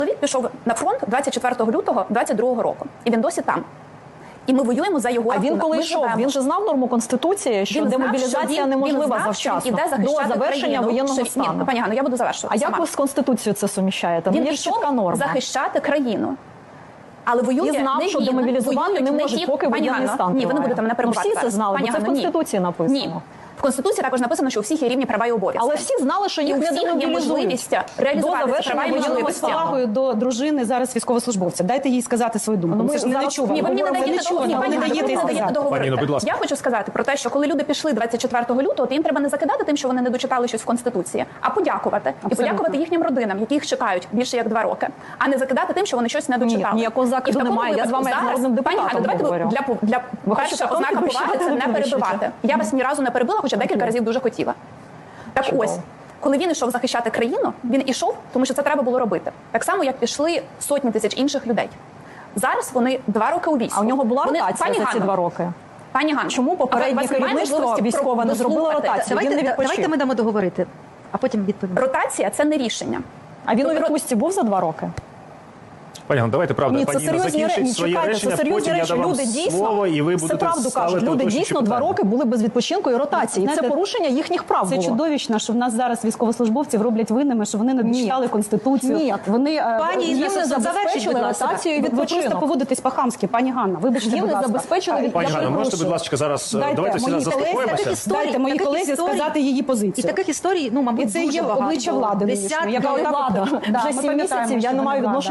Чоловік пішов на фронт 24 лютого 22 року, і він досі там. І ми воюємо за його рахунок. А він коли йшов, він же знав норму Конституції, що демобілізація неможлива завчасно, до завершення воєнного стану. Пані Ганно, я буду завершувати. А як ви з Конституцією це суміщаєте? Він пішов захищати країну. Але воює і знав, що демобілізувати не можуть, поки воєнний стан триває. Ні, ви не будете мене перебувати. Всі це знали, бо це в Конституції написано. Ні. В Конституції також написано, що у всіх є рівні права і обов'язки. Але всі знали, що їх не демобілізують реалізувати права і можливості. З повагою до дружини зараз військовослужбовця. Дайте їй сказати свою думку. Ми не чуємо. Ні, ви мені не даєте договорити. Пані, Я хочу сказати про те, що коли люди пішли 24 лютого, то їм треба не закидати тим, що вони не дочитали щось в Конституції, а подякувати. І подякувати їхнім родинам, які їх чекають більше як 2 роки, а не закидати тим, що вони щось не дочитали. Ніякого закиду немає. Я з вами як народним депутатом говорю. Для перша ознака поваги це не перебивати. Я вас ні разу не перебила, хоча декілька разів дуже хотіла. Так ось, коли він йшов захищати країну, він ішов, тому що це треба було робити. Так само, як пішли сотні тисяч інших людей. Зараз вони 2 роки у війську. А у нього була ротація за ці 2 роки? Пані Ганно, чому попереднє керівництво військове не зробило ротацію? Давайте ми дамо договорити, а потім відповімо. Ротація – це не рішення. А він у відпустці був за 2 роки? Пані Ганно, давайте, правда, Ні, пані Інна закінчить своє речення, потім я дам вам слово, і ви будете правду кажуть, люди дійсно 2 роки були без відпочинку і ротації. Це порушення їхніх прав було. Це чудовищно, що в нас зараз військовослужбовців роблять винними, що вони не дочитали Конституцію. Ні, вони пані їм не забезпечили ротацію і ви відпочинок. просто поводитесь по-хамськи, пані Ганна. Вибачте, Їм будь не ласка. забезпечили Пані Ганно, можете, будь ласка, зараз давайте всі заспокоїмося. Дайте моїй колезі сказати її позицію. І таких історій, ну, мабуть, і це дуже є багато. обличчя влади. Яка влада? Вже 7 місяців я не маю відношення.